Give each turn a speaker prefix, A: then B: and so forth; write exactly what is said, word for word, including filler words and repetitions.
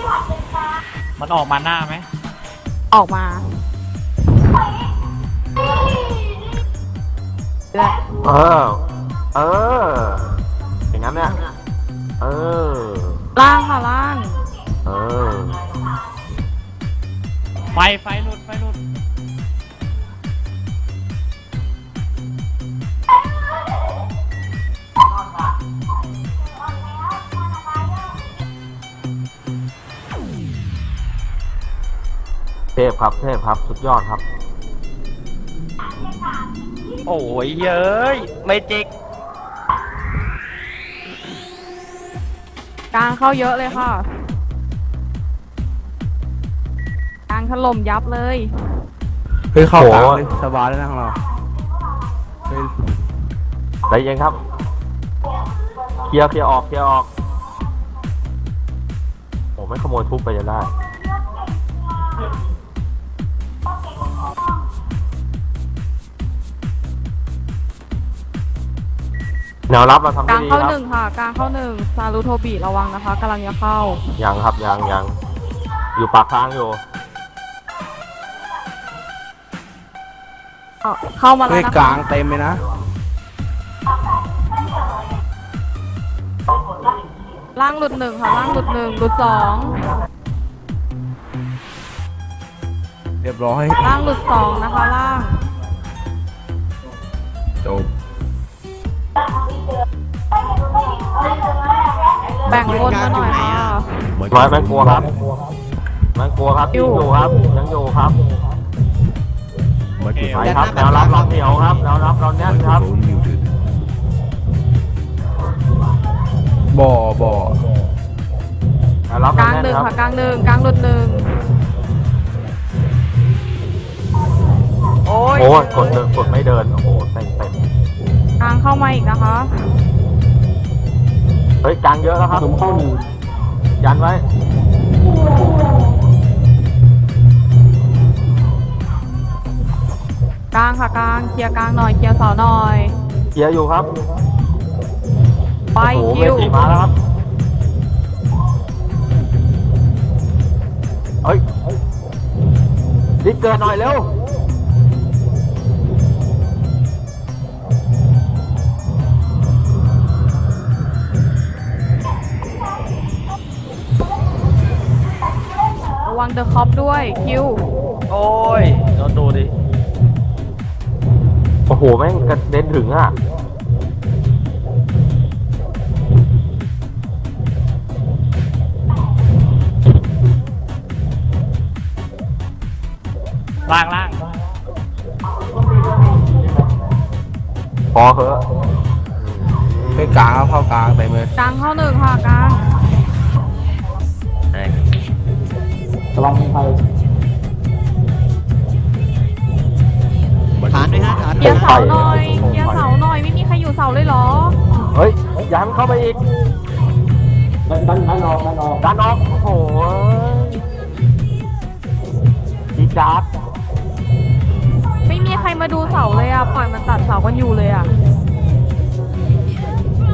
A: มันออกมาหน้าไหม
B: ออกมา
C: เออเอออย่างนั้นเนี่ยเออ
B: ล่างค่ะล่าง
C: เออ
A: ไฟไฟหลุดไฟหลุด
C: เทพครับเทพครับสุดยอดครับ
D: โอ้ยเย้ยไม่จิก
B: กลางเข้าเยอะเลยค่ะกลางถล่มยับเลย
E: เฮ้ยเข้ากลางเลยสบายเลยนะของเรา
C: ใจเย็นครับเคลียร์เคลียร์ออกเคลียร์ออกโอ้ไม่ขโมยทุบไปจะได้แนวรับเราทำได้ดีครับกลางเข้าหนึ่ง
B: ค่ะกลางเข้าหนึ่งซารุโทบิระวังนะคะกำลังจะเข้า
C: ยังครับยังยังอยู่ปากทางอยู่
B: เข้ามาแล้วนะคะ
E: กลางเต็มเลยนะ
B: ล่างหลุดหนึ่งค่ะล่างหลุดหนึ่งหลุดสอง
E: เรียบร้อย
B: ล่างหลุดสองนะคะล่าง
E: จบ
B: แบ่งคนมาหน่อยค่ะ
C: น้อยแม่กลัวครับแม่กลัวครับยังอยู่ครับยังอยู่ครับไปครับแนวรับเราเหนียวครับแนวรับเราแน่นครับ
E: บ่อบ่อ
C: แนวรับ
B: กลางหนึ่งค่ะกลางหนึ่งกลางหลุดหนึ่ง
C: โอ้ยกดเดินกดไม่เดินโอ้โหเต็มเต็ม
B: กลางเข้ามาอีกนะคะ
C: เฮ้ยกลางเยอะแล้วครับผมเข้าหนึ่งยันไว้
B: กลางค่ะกลางเคลียร์กลางหน่อยเคลียร์เสาหน่อย
C: เคลียร์อยู่ครับ
B: ไปคิว
C: มาแล้วครับเฮ้ยดิเกินหน่อยเร็ว
B: ระวังเดอะคอปด้วยคิว
D: โอ้ยโดนดูดิ
C: โอ้โหแม่งกระเด็นถึงอ่ะ
A: ล่างล่าง
C: พอเหอะ
E: ไปกลางเข้ากลางไปเลย
B: กลางเข้าหนึ่งค่ะกลาง
C: ระวังใคร
D: ฐานด้วยฮะฐาน
B: เกียร์เสาหน่อยเกียร์เสาหน่อยไม่มีใครอยู่เสาเลยเหรอ
C: เฮ้ยยันเข้าไปอีกดันดันดันออกดันออกดันออกโอ้โหดีจัด
B: ไม่มีใครมาดูเสาเลยอ่ะปล่อยมันตัดเสากันอยู่เลยอ่ะ